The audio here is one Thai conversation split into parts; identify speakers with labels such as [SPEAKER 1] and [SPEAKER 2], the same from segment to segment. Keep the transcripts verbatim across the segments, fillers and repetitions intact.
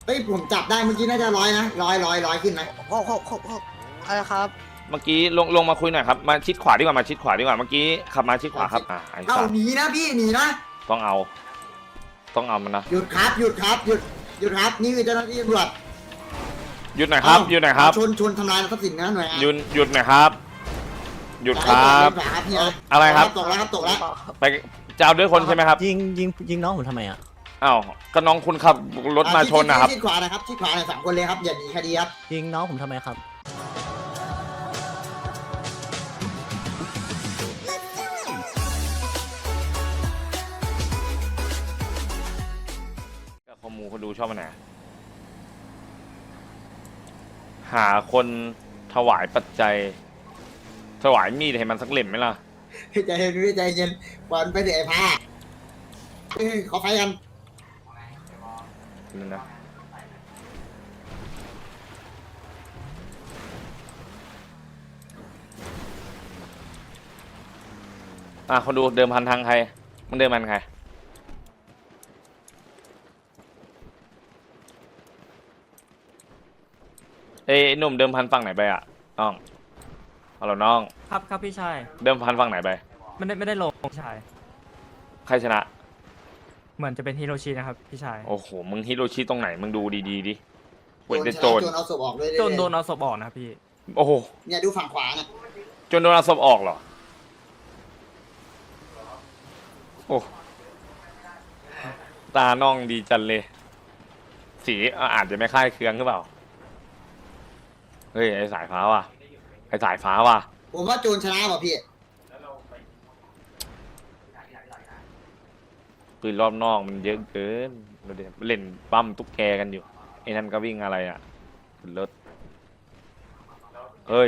[SPEAKER 1] เฮ้ยผมจับได้เมื่อกี้น่าจะร้อยนะร้อยร้อยร้อยขึ้นไหม
[SPEAKER 2] หกหกหกหกอะไรครับ
[SPEAKER 3] เมื่อกี้ลงลงมาคุยหน่อยครับมาชิดขวาดีกว่ามาชิดขวาดีกว่าเมื่อกี้ขับมาชิดขวาครับอ่าไอ้
[SPEAKER 1] เอา
[SPEAKER 3] สัตว์
[SPEAKER 1] หนีนะพี่หนีนะ
[SPEAKER 3] ต้องเอา ต้องเอามันนะ
[SPEAKER 1] หยุดครับหยุดครับหยุดหยุดครับนี่คือเจ้าหน้าที่ตำรวจ
[SPEAKER 3] หยุดหน่อยครับหยุดหน่อยครับ
[SPEAKER 1] ชนชนทำลายทรัพย์สินนะหน่วยงาน
[SPEAKER 3] หยุดหยุดหน่อยครับหยุดครับ
[SPEAKER 1] ขวาครับเนี่ย
[SPEAKER 3] อะไรครับ
[SPEAKER 1] ตกแล้วครับตกแล้ว
[SPEAKER 3] ไปจะเอาด้วยคนใช่ไหมครับ
[SPEAKER 4] ยิงยิงยิงน้องผมทำไมอ่ะ
[SPEAKER 3] อ้าวก็น้องคุณขับรถมาชนนะครับ
[SPEAKER 1] ชิดขวานะครับชิดขวาหน่อยสามคนเลยครับอย่าหนีคดีครับ
[SPEAKER 4] ยิงน้องผมทำไมครับ
[SPEAKER 3] คอมูเขาดูชอบมันไหนหาคนถวายปัจจัย ถวายมีดให้มันสักเล่มไหมล่ะ
[SPEAKER 1] ใจเย็นพี่ใจเย็นบอลไปเดี๋ยวไอ้ผ้าเอ้ยขอไฟกัน
[SPEAKER 3] นั่นนะอ่ะคนดูเดิมพันทางใครมันเดิมพันใครเอ้ยหนุ่มเดิมพันฝั่งไหนไปอ่ะน้องเอาล่ะน้อง
[SPEAKER 5] ครับครับพี่ชาย
[SPEAKER 3] เดิมพันฝั่งไหนไป
[SPEAKER 5] ไม่ได้ไม่ได้ลงพี่ชาย
[SPEAKER 3] ใครชนะ
[SPEAKER 5] เหมือนจะเป็นฮิโรชินะครับพี่ชาย
[SPEAKER 3] โอ้โหมึงฮิโรชิตรงไหนมึงดูดีๆดิเว้นแต่โจร
[SPEAKER 1] โจรเอาศพออกเลย
[SPEAKER 5] โดนโดนเอาศพออกนะครับพี่
[SPEAKER 3] โอ้โห
[SPEAKER 1] เนี่ยดูฝั่งขวาน่ะ
[SPEAKER 3] จนโดนเอาศพออกเหรอโอ้ตาน้องดีจันเลย สีอาจจะไม่คล้ายเคืองหรือเปล่าเฮ้ยไอสายฟ้าว่ะไอสายฟ้าว่ะ
[SPEAKER 1] ผมว่าโจรชนะป่ะพี่
[SPEAKER 3] ปืนรอบนอกมันเยอะเกินเราเดี๋ยวเล่นปั้มตุ๊กแกกันอยู่ไอ้นั่นก็วิ่งอะไรอ่ะขึ้นรถเฮ้ย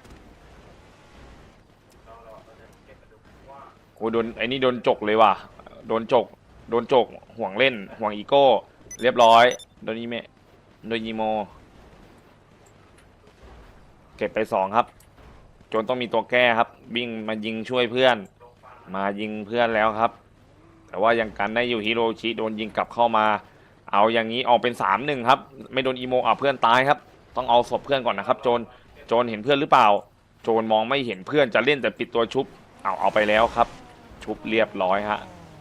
[SPEAKER 3] โอ้โดนไอ้นี่โดนจกเลยว่ะโดนจกโดนจกห่วงเล่นห่วงอีโก้เรียบร้อยโดนอีเมโดนอีโมเก็บไปสองครับจนต้องมีตัวแก้ครับวิ่งมายิงช่วยเพื่อนมายิงเพื่อนแล้วครับแต่ว่ายังกันได้อยู่ฮิโรชิโดนยิงกลับเข้ามาเอาอย่างนี้ออกเป็นสามหนึ่งครับไม่โดนอีโมอ่ะเพื่อนตายครับต้องเอาศพเพื่อนก่อนนะครับโจนโจนเห็นเพื่อนหรือเปล่าโจนมองไม่เห็นเพื่อนจะเล่นแต่ปิดตัวชุบเอาเอาไปแล้วครับชุบเรียบร้อยฮะ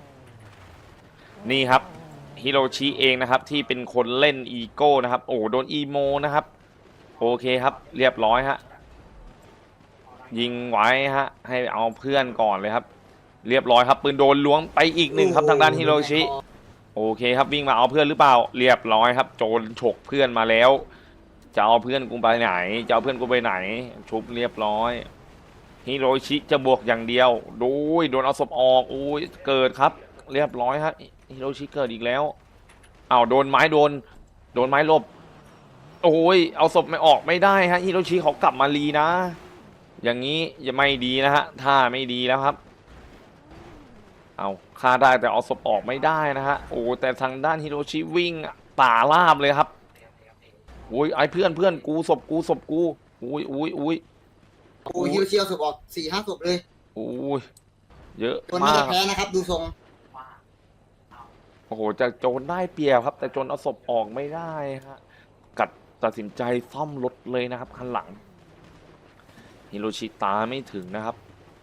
[SPEAKER 3] นี่ครับฮิโรชิเองนะครับที่เป็นคนเล่นอีโก้นะครับโอ้โดนอีโมนะครับโอเคครับเรียบร้อยฮะยิงไว้ฮะให้เอาเพื่อนก่อนเลยครับเรียบร้อยครับปืนโดนล้วงไปอีกหนึ่งครับทางด้านฮิโรชิโอเคครับวิ่งมาเอาเพื่อนหรือเปล่าเรียบร้อยครับโจรฉกเพื่อนมาแล้วจะเอาเพื่อนกูไปไหนจะเอาเพื่อนกูไปไหนชุบเรียบร้อยฮิโรชิจะบวกอย่างเดียวโดยโดนเอาศพออกโอ้ยเกิดครับเรียบร้อยฮะฮิโรชิเกิดอีกแล้วอ้าวโดนไม้โดนโดนไม้ลบโอ้ยเอาศพไม่ออกไม่ได้ฮะฮิโรชิเขากลับมาลีนะอย่างนี้จะไม่ดีนะฮะถ้าไม่ดีแล้วครับเอาฆ่าได้แต่เอาศพออกไม่ได้นะฮะโอ้แต่ทางด้านฮิโรชิวิ่งป่าลาบเลยครับโอ้ยไอ้เพื่อนเพื่อนกูศพกูศพกูอุ้ยอุ้ยอุ้ย
[SPEAKER 1] โอ้ฮิวเชียวศพออกสี่ห้าศพเลย
[SPEAKER 3] โอ้ยเยอะ
[SPEAKER 1] คนน่าม
[SPEAKER 3] าก
[SPEAKER 1] จะแพ้นะครับดูทรง
[SPEAKER 3] โอ้โหจะโจรได้เปรียบครับแต่โจรเอาศพออกไม่ได้ฮะกัดตัดสินใจซ่อมรถเลยนะครับคันหลังฮิโรชิตาไม่ถึงนะครับ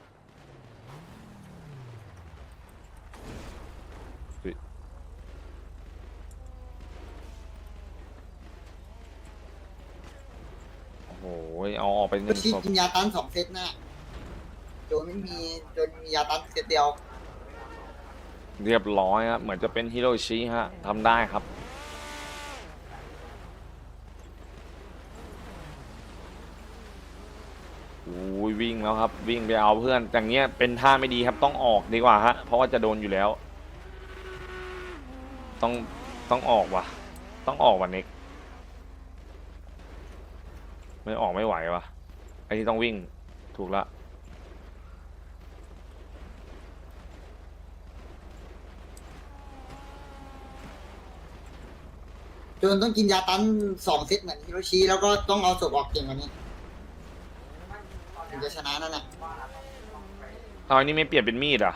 [SPEAKER 3] โอ้โหเอาออกไปหนึ่ง
[SPEAKER 1] ชิ
[SPEAKER 3] ศพ
[SPEAKER 1] กินยาตันสองเซตนะโจรไม่มีโจรมียาตันเซตเดียว
[SPEAKER 3] เรียบร้อยครับเหมือนจะเป็นฮิโรชิฮะทำได้ครับโอ้ยวิ่งแล้วครับวิ่งไปเอาเพื่อนอย่างเงี้ยเป็นท่าไม่ดีครับต้องออกดีกว่าฮะเพราะว่าจะโดนอยู่แล้วต้องต้องออกว่ะต้องออกว่ะเน็กไม่ออกไม่ไหวว่ะไอ้ที่ต้องวิ่งถูกละ
[SPEAKER 1] โจรต้องกินยาตันสองเซตเหมือนฮิโรชิแล้วก็ต้องเอาศพออกเก่งกว่านี้ถึงจะชนะนั่นแหละ
[SPEAKER 3] เอาอันนี้ไม่เปลี่ยนเป็นมีดอ่ะ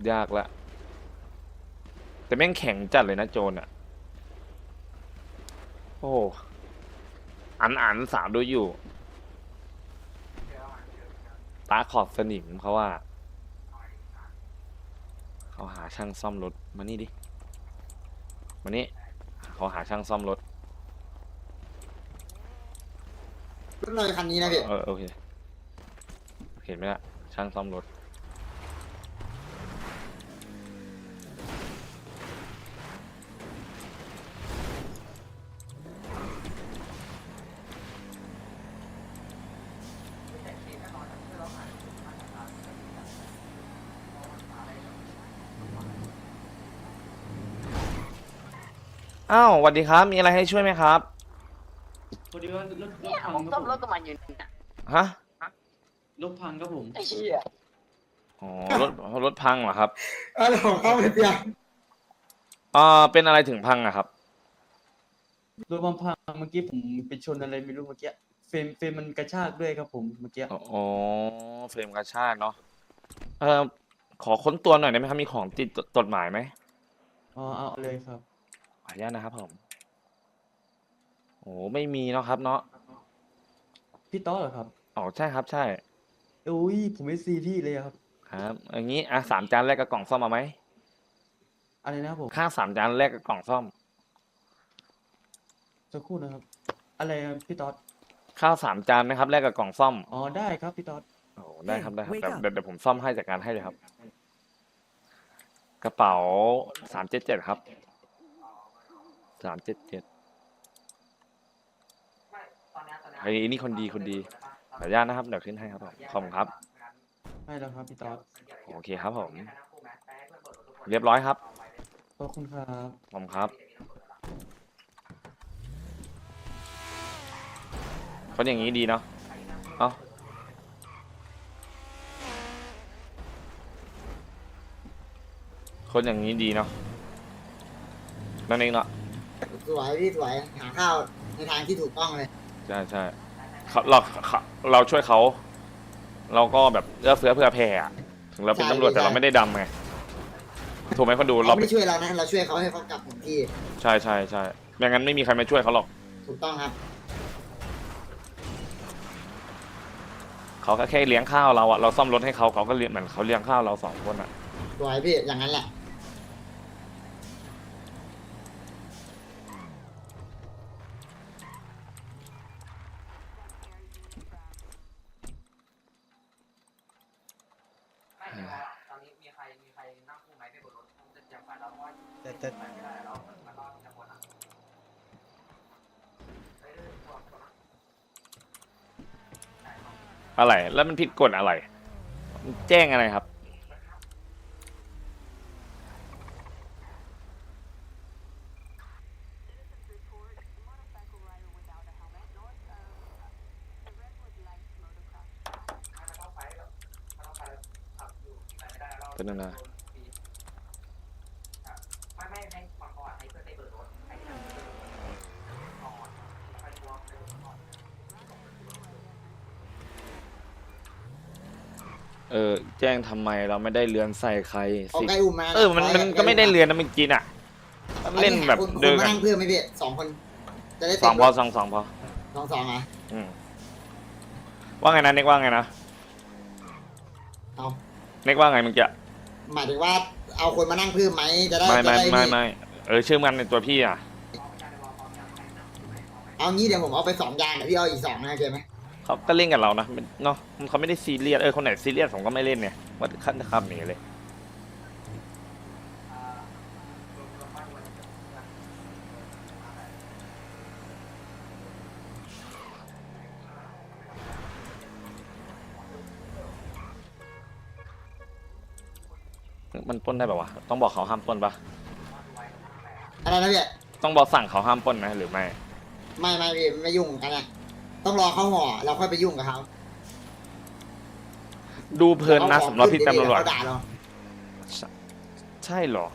[SPEAKER 3] ยากละแต่แม่งแข็งจัดเลยนะโจรอ่ะโอ้อันอันสามดูอยู่ตาขอบสนิมเขาว่าเขาหาช่างซ่อมรถมานี่ดิมานี่เขาหาช่างซ่อมรถ
[SPEAKER 1] รถเลยคันนี้นะพี่
[SPEAKER 3] เออโอเคเห็นไหมล่ะช่างซ่อมรถอ้าวสวัสดีครับมีอะไรให้ช่วยไหมครับ
[SPEAKER 6] พอดีว่ารถรถ
[SPEAKER 2] เนี่ย
[SPEAKER 6] พัง
[SPEAKER 2] ผม
[SPEAKER 6] ค
[SPEAKER 2] ต้
[SPEAKER 6] รั
[SPEAKER 2] อบ ง
[SPEAKER 6] ผม
[SPEAKER 2] รถกับมันอยู่เนี่ย
[SPEAKER 3] ฮะ
[SPEAKER 6] รถพังครับผม
[SPEAKER 2] ไอ้เหี้ย
[SPEAKER 3] อ๋อรถรถพังเหรอครับ
[SPEAKER 1] เออของเขาเป็นยัง
[SPEAKER 3] อ่าเป็นอะไรถึงพังอะครับ
[SPEAKER 6] รถพังเมื่อกี้ผมไปชนอะไรไม่รู้เมื่อกี้เฟรมเฟรมมันกระชากด้วยครับผมเมื่อกี้
[SPEAKER 3] อ๋อเฟรมกระชากเนาะเออขอค้นตัวหน่อยได้ไหมครับมีของติดจดหมายไหม
[SPEAKER 6] อ๋อเอาเลยครับ
[SPEAKER 3] ขออนุญาตนะครับผมโอ้ไม่มีเนาะครับเนาะ
[SPEAKER 6] พี่ต๊อดเหรอครับ
[SPEAKER 3] อ๋อใช่ครับใช่
[SPEAKER 6] อุ้ยผมไม่ซีพี่เลยอะครับ
[SPEAKER 3] ครับอย่างนี้อ่ะสามจานแรกกับกล่องซ่อมมาไหม
[SPEAKER 6] อะไรนะครับผม
[SPEAKER 3] ค่าสามจานแรกกับกล่องซ่อม
[SPEAKER 6] สักครู่นะครับ อะไรครับพี่ต๊อด
[SPEAKER 3] ข้าวสามจานนะครับแลกกับกล่องซ่อม
[SPEAKER 6] อ๋อได้ครับพี่ต๊อด
[SPEAKER 3] โอ้ได้ครับได้ครับ
[SPEAKER 4] Wake
[SPEAKER 3] เดี๋ยว
[SPEAKER 4] up
[SPEAKER 3] เดี๋ยวเดี๋ยวผมซ่อมให้จัดการให้เลยครับ กระเป๋าสามเจ็ดเจ็ดครับสามเจ็ดเจ็ดไอ้นี่คนดีคนดีขออนุญาตนะครับเดี๋ยวขึ้นให้ครับผมขอบคุณครับ
[SPEAKER 6] ให้แล้วครับพี่ต๊อด
[SPEAKER 3] โอเคครับผม เรียบร้อยครับ
[SPEAKER 6] ขอบคุณครับ
[SPEAKER 3] ขอบคุณครับคนอย่างนี้ดีเนาะเอ้าคนอย่างนี้ดีเนาะนั่นเองเนาะ
[SPEAKER 1] สวยพี่สวยหาข้าวในทางที่ถูกต้องเลย
[SPEAKER 3] ใช่ใช่เขาเราเขาเราช่วยเขา เราก็แบบเอื้อเฟื้อเผื่อแผ่อะถึงเราเป็นตำรวจแต่เราไม่ได้ดำไงถูกไหมคนดู
[SPEAKER 1] เขา
[SPEAKER 3] เรา
[SPEAKER 1] ไม่ได้ช่วยเรานะเราช่วยเขาให้เขากลับถึงที่
[SPEAKER 3] ใช่ใช่ใช่ไม่งั้นไม่มีใครมาช่วยเขาหรอก
[SPEAKER 1] ถูกต้องครับ
[SPEAKER 3] เขาก็แค่เลี้ยงข้าวเราอะเราซ่อมรถให้เขาเขาก็เลี้ยงเหมือนเขาเลี้ยงข้าวเราสองคนอะ
[SPEAKER 1] สวยพี่อย่างนั้นแหละ
[SPEAKER 2] แต่แต่
[SPEAKER 3] อะไรแล้วมันผิดกฎอะไรมันแจ้งอะไรครับ เป็นยังไงเออแจ้งทำไมเราไม่ได้เลือนใส่ใคร
[SPEAKER 1] เอา
[SPEAKER 3] สิ
[SPEAKER 1] ไก่อุ่มมา
[SPEAKER 3] เออมันมันก็ไม่ได้เลือนนะเมื่อกี้น่ะเล่นแบบ
[SPEAKER 1] คุณ
[SPEAKER 3] เดิน
[SPEAKER 1] มา
[SPEAKER 3] กัน
[SPEAKER 1] นั่งเพื่อนไหมพี่สองคน จะได้
[SPEAKER 3] สองพอสองสองพอ
[SPEAKER 1] สองสองอ่ะ
[SPEAKER 3] อืมว่าไงนะเน็กว่าไงนะ
[SPEAKER 1] เอา
[SPEAKER 3] เน็กว่าไงเมื่อกี้
[SPEAKER 1] หมายถึงว่าเอาคนมานั่งเพื่อนไหมจะได้
[SPEAKER 3] ไม่
[SPEAKER 1] จะ
[SPEAKER 3] ไม่
[SPEAKER 1] ได้
[SPEAKER 3] ไม่
[SPEAKER 1] นี่
[SPEAKER 3] ไม่เออชื่อมันในตัวพี่อ่ะ
[SPEAKER 1] เอางี้เดี๋ยวผมเอาไปสองยางเดี๋ยวพี่เอาอีกสองนะโอเคไหม
[SPEAKER 3] เขาก็เล่นกับเรานะเนาะเขาไม่ได้ซีเรียสเออคนไหนซีเรียสผมก็ไม่เล่นเนี่ยว่าขั้นคำนี้เลยมันปล้นได้ป่าวะต้องบอกเขาห้ามปล้นปะ
[SPEAKER 1] อะไรนะพี่
[SPEAKER 3] ต้องบอกสั่งเขาห้ามปล้นไหมหรือไม่
[SPEAKER 1] ไม่ไม่พี่ไม่ยุ่งกันนะต้องรอเขาห่อเราค่อยไปยุ่งกับเขา
[SPEAKER 3] ดูเพลินนะสำหรับพี่ตำรวจ
[SPEAKER 1] เขาด่าเรา
[SPEAKER 3] ใช่เหรอ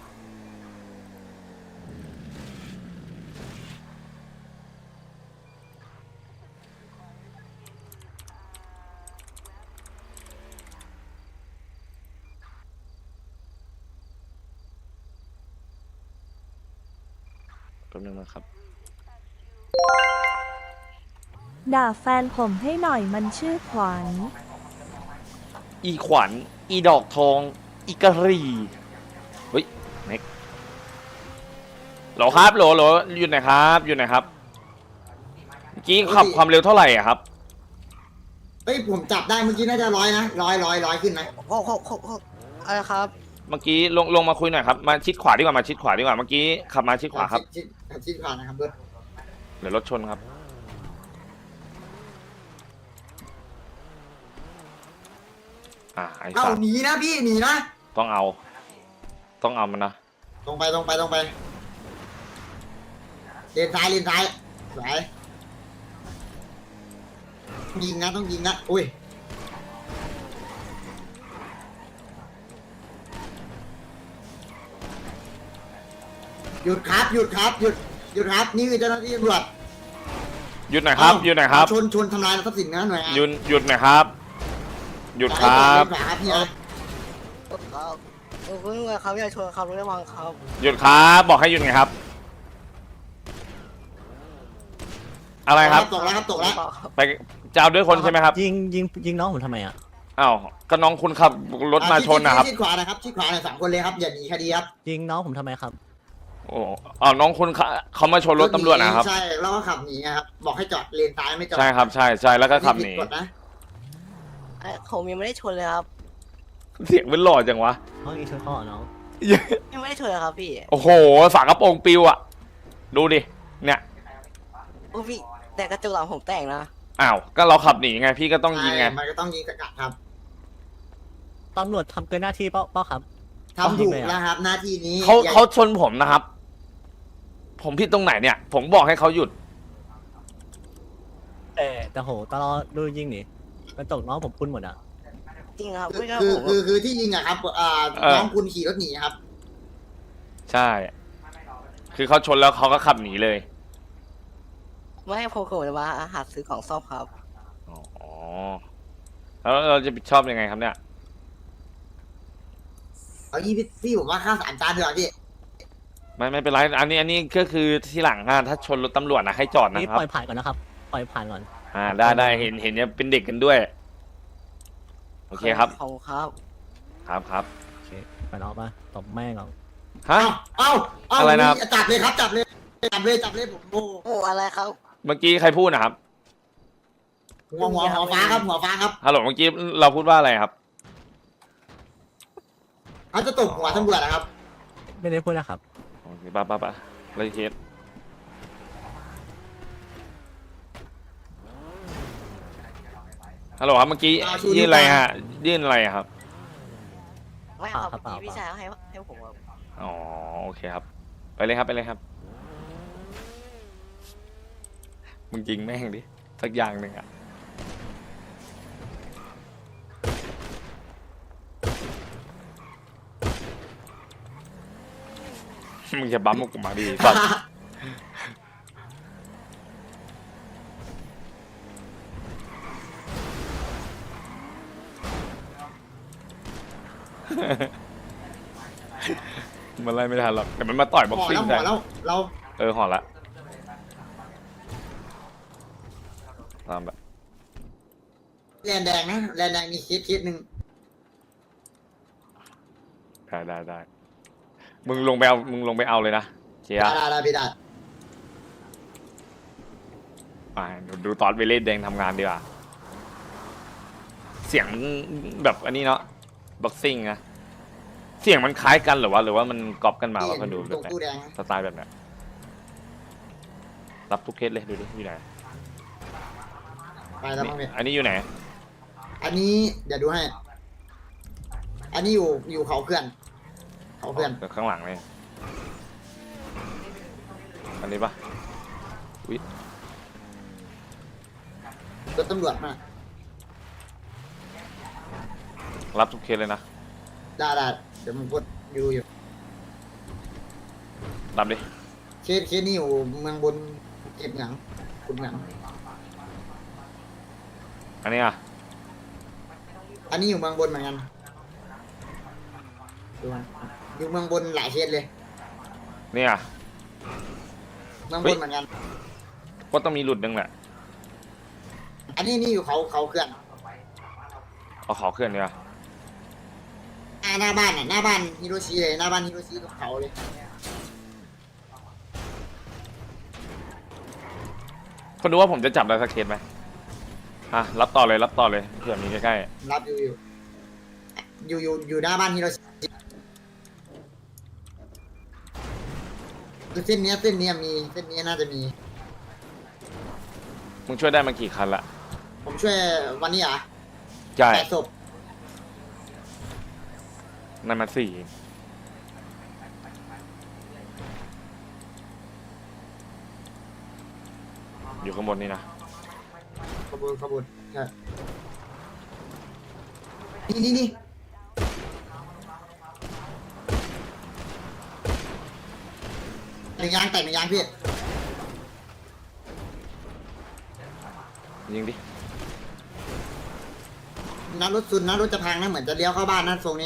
[SPEAKER 3] แป๊บนึงนะครับ
[SPEAKER 7] ด่าแฟนผมให้หน่อยมันชื่อขวัญ
[SPEAKER 3] อีขวัญอีดอกทอง อีกะหรี่เฮ้ยเน็กโหลครับโหลโหลอยู่ไหนครับอยู่ไหนครับเมื่อกี้ขับความเร็วเท่าไหร่อะครับ
[SPEAKER 1] เฮ้ยผมจับได้เมื่อกี้น่าจะร้อยนะร้อยร้อยร้อยขึ้นนะ
[SPEAKER 2] หกหกหกหกอะไรครับ
[SPEAKER 3] เมื่อกี้ลงลงมาคุยหน่อยครับมาชิดขวาดีกว่ามาชิดขวาดีกว่าเมื่อกี้ขับมาชิดขวาครับ
[SPEAKER 1] ชิดชิดขวานะครับเบิร์ด
[SPEAKER 3] เดี๋ยวรถชนครับอ่าไอ้
[SPEAKER 1] เอ้า
[SPEAKER 3] สัตว์
[SPEAKER 1] หนีนะพี่หนีนะ
[SPEAKER 3] ต้องเอา ต้องเอามันนะ
[SPEAKER 1] ตรงไปตรงไปตรงไปเลนซ้ายเลนซ้ายสวยยิงนะต้องยิงนะอุ้ยหยุดครับหยุดครับหยุดหยุดครับนี่คือเจ้าหน้าที่ตำรวจ
[SPEAKER 3] หยุดหน่อยครับหยุดหน่อยครับ
[SPEAKER 1] ชนชนทำลายทรัพย์สินนะหน่วยงาน
[SPEAKER 3] หยุดหยุดหน่อยครับหยุดครับ
[SPEAKER 1] เลนขวาครับพี่นะ
[SPEAKER 2] ครับเออคุณตำรวจครับอย่าชนครับรถระวังครับ
[SPEAKER 3] หยุดครับบอกให้หยุดไงครับ อะไรครับ
[SPEAKER 1] ตกแล้วครับตกแล้ว
[SPEAKER 3] ไปจะเอาด้วยคนใช่ไหมครับ
[SPEAKER 4] ยิงยิงยิงน้องผมทำไมอ่ะ
[SPEAKER 3] อ้าวก็น้องคุณขับรถมาชนนะครับ
[SPEAKER 1] ชิดขวานะครับชิดขวาหน่อยสามคนเลยครับอย่าหนีคดีครับ
[SPEAKER 4] ยิงน้องผมทำไมครับ
[SPEAKER 3] โอ้อ้าวน้องคุณเขาเขามาชนรถตำรวจนะครับ
[SPEAKER 1] ใช่แล้วก็ขับหนีนะครับบอกให้จอดเลนซ้ายไม่จอด
[SPEAKER 3] ใช่ครับใช่ใช่แล้วก็ขับหนี
[SPEAKER 1] ผิดกฎนะ
[SPEAKER 2] เอ้ยผมยังไม่ได้ชนเลยครับ
[SPEAKER 3] เสียงเป็นหล่อจังวะ
[SPEAKER 4] น้องยิงชนข้อน้อง
[SPEAKER 2] ยังไม่ได้ชนเลยครับพี่
[SPEAKER 3] โอ้โหฝากระโปรงปิวอ่ะ ดูดิ เนี่ย
[SPEAKER 2] โอ้พี่แต่กระจกหลังผมแตกนะ
[SPEAKER 3] อ้าว ก็เราขับหนีไง พี่ก็ต้องยิงไง
[SPEAKER 1] ใช่มันก็ต้องยิงสกัดครับ
[SPEAKER 4] ตำรวจทำเกินหน้าที่เปล่าเปล่าครับ
[SPEAKER 1] ทำถูกแล้วครับ หน้าที่นี้
[SPEAKER 3] เขา
[SPEAKER 1] อย่
[SPEAKER 3] เขาชนผมนะครับ ผมผิดตรงไหนเนี่ย ผมบอกให้เขาหยุด
[SPEAKER 4] แต่แต่โหตลอดดูยิงนี่กระจกน้องผมปุ้นหมดอ่ะ
[SPEAKER 2] จริงครับ
[SPEAKER 1] คือ
[SPEAKER 2] ไม่ครับ
[SPEAKER 1] คือ
[SPEAKER 2] ผม
[SPEAKER 1] คือคือที่ยิงอะครับอ่า
[SPEAKER 3] เออ
[SPEAKER 1] น้องคุณขี่รถหนีครับ
[SPEAKER 3] ใช่ คือเขาชนแล้วเขาก็ขับหนีเลย
[SPEAKER 2] ไม่ให้ผมผมจะมาหาซื้อของซ่อมครับ
[SPEAKER 3] อ๋อ แล้วเราจะผิดชอบยังไงครับเนี่ย
[SPEAKER 1] เอายี่พี่พี่ผมว่าค่าสามจานเถอะพี่
[SPEAKER 3] ไม่ไม่เป็นไร อันนี้อันนี้ก็คือที่หลังอ่ะถ้าชนรถตำรวจนะให้จอดนะ
[SPEAKER 4] นี่
[SPEAKER 3] ครับ
[SPEAKER 4] ปล่อยผ่านก่อนนะครับ ปล่อยผ่านก่อน
[SPEAKER 3] อ่าได้ได้เห็นเห็นเนี่ยเป็นเด็กกันด้วย โอเคครับ
[SPEAKER 2] ขอบคุณครับ
[SPEAKER 3] ครับครับ
[SPEAKER 4] โอเคไปน้องปะตบแม่งก่อน
[SPEAKER 3] ฮะ
[SPEAKER 1] เอ้าเอ้า
[SPEAKER 3] อะไรนะครับ
[SPEAKER 1] จับเลยครับจับเลยจับเลยจับเลยผมโอ้
[SPEAKER 2] โอ้อะไรครับ
[SPEAKER 3] เมื่อกี้ใครพูดนะครับ
[SPEAKER 1] หัวหัวหัวฟ้าครับหัวฟ้าครับ
[SPEAKER 3] ฮัลโหลเมื่อกี้เราพูดว่าอะไรครับ
[SPEAKER 1] เขาจะตบหัวตำรวจนะครับ
[SPEAKER 4] ไม่ได้พูดนะครับ
[SPEAKER 3] โอเคป่ะป่ะป่ะเลยเคสฮัลโหลครับเมื่อกี้
[SPEAKER 1] อ่าชู
[SPEAKER 3] ยื่นอะไร
[SPEAKER 1] นิ้วกลาง
[SPEAKER 3] ฮะ ยื่นอะไรครับ
[SPEAKER 2] ไม่ครับ
[SPEAKER 4] เปล่าครับ
[SPEAKER 2] พี่ชายให้ให้ผมครับ
[SPEAKER 3] อ๋อโอเคครับ ไปเลยครับไปเลยครับ มึงยิงแม่งดิ สักอย่างหนึ่งอ่ะ มึงจะบั๊มกูมาดีสัตว์ มันไล่ไม่ทันหรอกแต่มันมาต่อยบ็อก
[SPEAKER 1] หัว
[SPEAKER 3] ซิ่ง
[SPEAKER 1] แล้วหั
[SPEAKER 3] ใส่
[SPEAKER 1] วแล้วเรา
[SPEAKER 3] เออหอละตามแบบ
[SPEAKER 1] แลนแดงนะแลนแดงมีเคสเคสหนึ่ง
[SPEAKER 3] ได้ได้ได้มึงลงไปเอามึงลงไปเอาเลยนะเชีย
[SPEAKER 1] ได้
[SPEAKER 3] ร์
[SPEAKER 1] ได้ได้พี่ได้
[SPEAKER 3] อ่าดูดูตอนไปเล่นแดงทำงานดีกว่า เสียงแบบอันนี้เนาะบ็อกซิ่งนะเสียงมันคล้ายกันหรือว่าหรือว่ามันก๊อปกันมาว่าคนดู
[SPEAKER 1] ต
[SPEAKER 3] แบ
[SPEAKER 1] ร
[SPEAKER 3] บ
[SPEAKER 1] ง
[SPEAKER 3] ไหน
[SPEAKER 1] ตู้แดง
[SPEAKER 3] สไตล์แบบไหนรับทุกเคสเลยดูดิอยู่ไหน
[SPEAKER 1] ไปแล้วมั้งพี่
[SPEAKER 3] อันนี้อยู่ไหน
[SPEAKER 1] อันนี้เดี๋ยวดูให้ อันนี้อยู่อยู่เขาเพื่อนเขาเพื่อน
[SPEAKER 3] อ๋อข้างหลังเลยอันนี้ปะอุ๊ย
[SPEAKER 1] รถตำรวจมา
[SPEAKER 3] รับทุกเคสเลยนะ
[SPEAKER 1] ได้ได้เดี๋ยวผมกดอยู่อยู่
[SPEAKER 3] รับดิ
[SPEAKER 1] เคสเคสนี่อยู่เมืองบนเก็บหนังคุณหนัง
[SPEAKER 3] อันนี้อ่ะ
[SPEAKER 1] อันนี้อยู่เมืองบนเหมือนกันดูนะอยู่เมืองบนหลายเคสเลย
[SPEAKER 3] นี่อ่ะ
[SPEAKER 1] เมือง
[SPEAKER 3] เฮ้
[SPEAKER 1] บ
[SPEAKER 3] ย
[SPEAKER 1] นเหมือนกัน
[SPEAKER 3] ก็ต้องมีหลุดหนึงแหละ
[SPEAKER 1] อันนี้นี่อยู่เขาเขาเคลื่อน
[SPEAKER 3] เอาขอเคลื่อนดีกว่า
[SPEAKER 1] หน้าหน้าบ้านอ่ะหน้าบ้านฮิโรชิเลยหน้าบ้านฮิโรชิกับเขาเลย
[SPEAKER 3] คนดูว่าผมจะจับได้สักเคสไหมอ่ะรับต่อเลยรับต่อเลยเผื่อมีใกล้
[SPEAKER 1] รับอยู่อยู่อยู่อยู่อยู่หน้าบ้านฮิโรชิเส้นเนี้ยเส้นเนี้ยมีเส้นเนี้ยน่าจะมี
[SPEAKER 3] ๆมึงช่วยได้มากี่คันละ
[SPEAKER 1] ผมช่วยวันนี้อ่ะ
[SPEAKER 3] ใช่
[SPEAKER 1] แปดศพ
[SPEAKER 3] นั่นมันสี่อยู่ข้างบนนี่นะ
[SPEAKER 1] ขบวนขบวนใช่นี่นี่นี่หนึ่งยางแตกหนึ่งยางพี่
[SPEAKER 3] ยิงดิ
[SPEAKER 1] นัดรถซุนนัดรถจะพังนะเหมือนจะเลี้ยวเข้าบ้านนะทรงนี้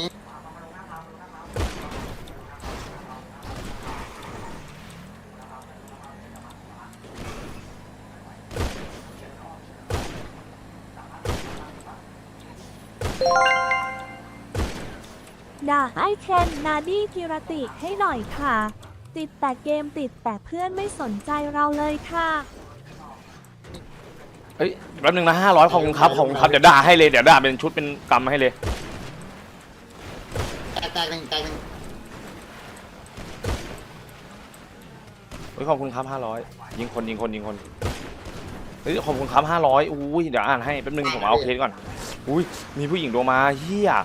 [SPEAKER 7] ด่าไอเคนนาดี้กิรติให้หน่อยค่ะ ติดแต่เกมติดแต่เพื่อนไม่สนใจเราเลยค่ะ
[SPEAKER 3] เฮ้ยแป๊บนึงนะห้าร้อยขอบคุณครับขอบคุณครับเดี๋ยวด่าให้เลยเดี๋ยวด่าเป็นชุดเป็นกำให้เลย
[SPEAKER 1] แตกแตกหนึ่งแตกหนึ่ง
[SPEAKER 3] เฮ้ยขอบคุณครับห้าร้อยยิงคนยิงคนยิงคนเฮ้ยขอบคุณครับห้าร้อยอุ้ยเดี๋ยวอ่านให้แป๊บนึงผมเอาเคสก่อนอุ้ยมีผู้หญิงโทรมาเฮีย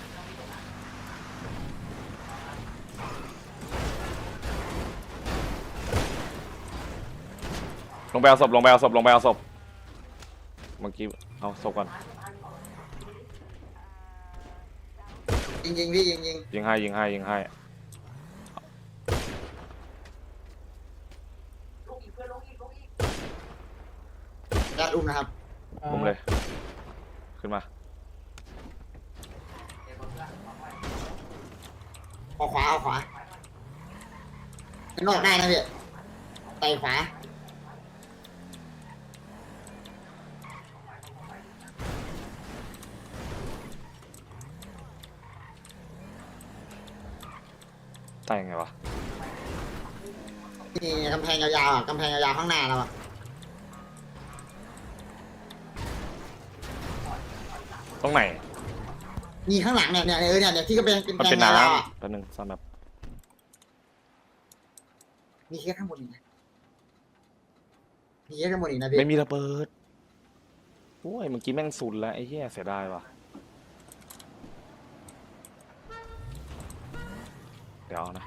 [SPEAKER 3] ลงไปเอาศพลงไปเอาศพลงไปเอาศพเมื่อกี้เอาศพก่อน
[SPEAKER 1] ยิงยิงพี่ยิงยิง
[SPEAKER 3] ยิงให้ยิงให้ยิงให้
[SPEAKER 1] ยัดอุ้มนะครับ
[SPEAKER 3] ผมเลยขึ้นมา
[SPEAKER 1] เอาขวาเอาขวาข้างนอกได้นะพี่ไต่ขวา
[SPEAKER 3] ตายยังไงวะ
[SPEAKER 1] นี่กำแพงยาวๆอ่ะกำแพงยาวๆข้างหน้าเราอ่ะ
[SPEAKER 3] ตรงไหน
[SPEAKER 1] นี่ข้างหลังเนี่ยเนี่ยเออเนี่ยเนี่ยที่ก็เป็นเป็น
[SPEAKER 3] มัน
[SPEAKER 1] แพ
[SPEAKER 3] เป็น
[SPEAKER 1] งยาวๆอ่ะ
[SPEAKER 3] น้ำแป๊บนึงซ่อนแบบ
[SPEAKER 1] มีแค่ข้างบนอีกนะมีแค่ข้างบนอีกนะพี่
[SPEAKER 3] ไม่มีระเบิดโอ้ยเมื่อกี้แม่งสุดแล้วไอ้เหี้ยเสียดายว่ะเดี๋ยวเอานะ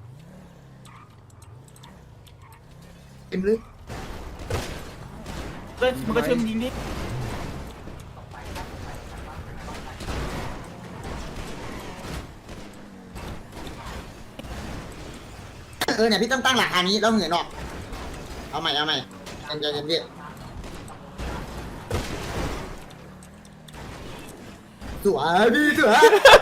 [SPEAKER 1] เต็มเลย
[SPEAKER 5] มันก็เชื่อมยิงดิ
[SPEAKER 1] เออเนี่ยพี่ต้องตั้งหลักฐานนี้แล้วเหินออกเอาใหม่เอาใหม่ใจเย็นๆพี่สวยพี่สวย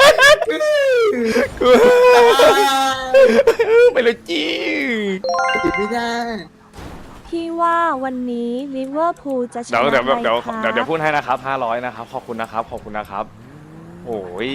[SPEAKER 3] ไปเลยจี
[SPEAKER 1] ติดไม่ได้
[SPEAKER 7] พี่ว่าวันนี้ลิเวอร์พูลจะช
[SPEAKER 3] เดี๋ยว
[SPEAKER 7] นะ
[SPEAKER 3] เดี๋ยว
[SPEAKER 7] ไหม
[SPEAKER 3] เดี๋ยว
[SPEAKER 7] คะ
[SPEAKER 3] เดี๋ยวเดี๋ยวพูดให้นะครับห้าร้อยนะครับขอบคุณนะครับขอบคุณนะครับ โอ้ย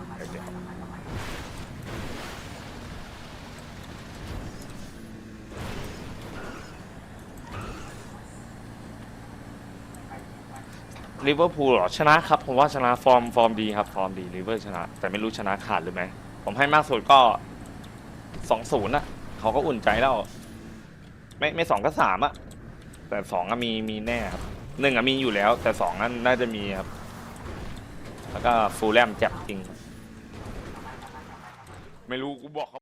[SPEAKER 3] ลิเวอร์พูลเหรอชนะครับผมว่าชนะฟอร์มฟอร์มดีครับฟอร์มดีลิเวอร์ชนะ แต่ไม่รู้ชนะขาดหรือไม่ผมให้มากสุดก็สองศูนย์อะเขาก็อุ่นใจแล้วไม่ไม่สองก็สามอะแต่สองอะมีมีแน่ครับหนึ่งอะมีอยู่แล้ว แต่สองนั้นน่าจะมีครับแล้วก็ฟูลแลมแจ็บจริง ไม่รู้กูบอกเขา